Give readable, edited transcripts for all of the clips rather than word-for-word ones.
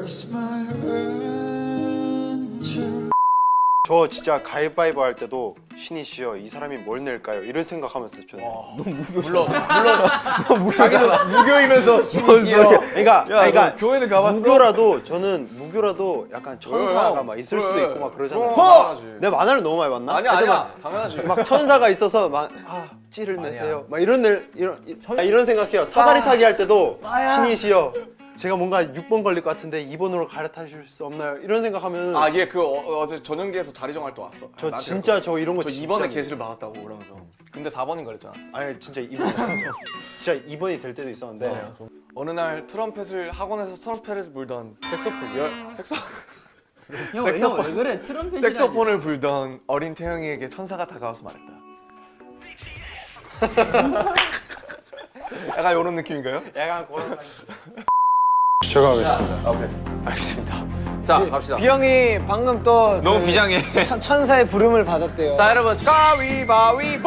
저 진짜 가위바위보 할 때도 신이시여 이 사람이 뭘 낼까요? 이런 생각하면서 저는 물론 자기도 무교이면서 신이시여. 그러니까 교회는 가봤어? 무교라도 약간 천사가 막 있을 수도 있고 막 그러잖아요. 당연하지. 내 만화를 너무 많이 봤나? 아니야 당연하지. 막 천사가 있어서 막 찌를 내세요. 막 이런 생각해요. 사다리 타기 할 때도 신이시여 제가 뭔가 6번 걸릴 것 같은데 2번으로 갈아타실 수 없나요? 이런 생각하면 얘 그 어제 전용기에서 자리 정할 때 왔어. 저 진짜 저 이런 거 저 진짜 2번에 게시를 막았다고 그러면서. 근데 4번인 거랬잖아. 아니 진짜 2번 진짜 2번이 될 때도 있었는데 어느 날 트럼펫을 학원에서 트럼펫을 불던 형 왜 그래? 트럼펫이 색소폰을 불던 어린 태영이에게 천사가 다가와서 말했다. 약간 이런 느낌인가요? 약간 그런 제가 하겠습니다. 오케이. 알겠습니다. 자, 갑시다. 비영이 방금 또 너무 비장해. 천사의 부름을 받았대요. 자, 여러분. 가위바위보!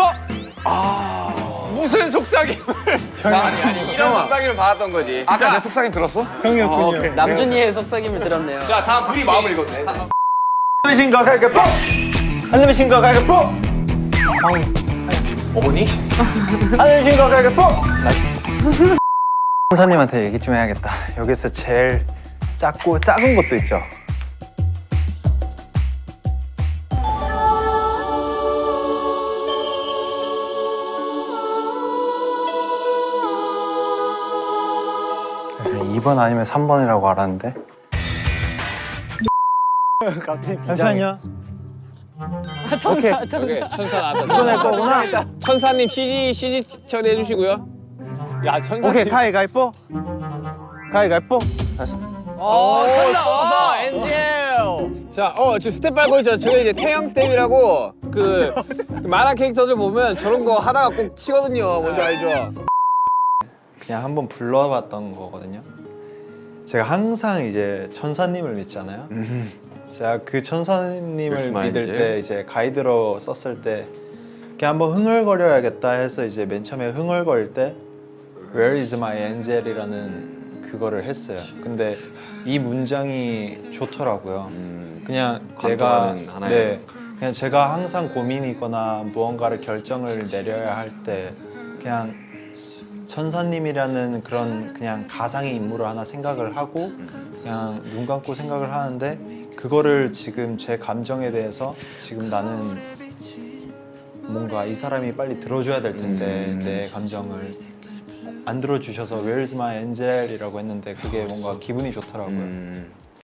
무슨 속삭임을? 아니 이런 속삭임을 받았던 거지. 아까 내 속삭임 들었어? 형이었군요. 남준이의 속삭임을 들었네요. 자 다음 둘이 마음을 읽었네. 안내미신 거 갈게요. 안내미신 거 갈게요. 어머니? 안내미신 거 갈게요. 천사님한테 얘기 좀 해야겠다. 여기서 제일 작은 것도 있죠. 그래서 2번 아니면 3번이라고 알았는데. 갑자기 잠시만요. 오케이. 오케이, 천사 나왔다. 이번 할 거구나. 천사님 CG 처리해 주시고요. 야, 천사님. 오케이, 가위바위보. 가위바위보. 됐어. 천사 엔젤. 자, 저 스텝 밟고 있죠. 저게 이제 태양 스텝이라고 그 만화 캐릭터들 보면 저런 거 하다가 꼭 치거든요. 뭔지 알죠? 그냥 한번 불러봤던 거거든요. 제가 항상 이제 천사님을 믿잖아요. 제가 그 천사님을 믿을 때 이제 가이드로 썼을 때 그냥 한번 흥얼거려야겠다 해서 이제 맨 처음에 흥얼거릴 때 Where is my angel이라는 그거를 했어요. 근데 이 문장이 좋더라고요. 그냥 내가 그냥 제가 항상 고민이거나 무언가를 결정을 내려야 할 때 그냥 천사님이라는 그런 그냥 가상의 인물을 하나 생각을 하고 그냥 눈 감고 생각을 하는데 그거를 지금 제 감정에 대해서 지금 나는 뭔가 이 사람이 빨리 들어줘야 될 텐데 내 감정을 안 들어주셔서 Where's my angel? 이라고 했는데 그게 뭔가 기분이 좋더라고요.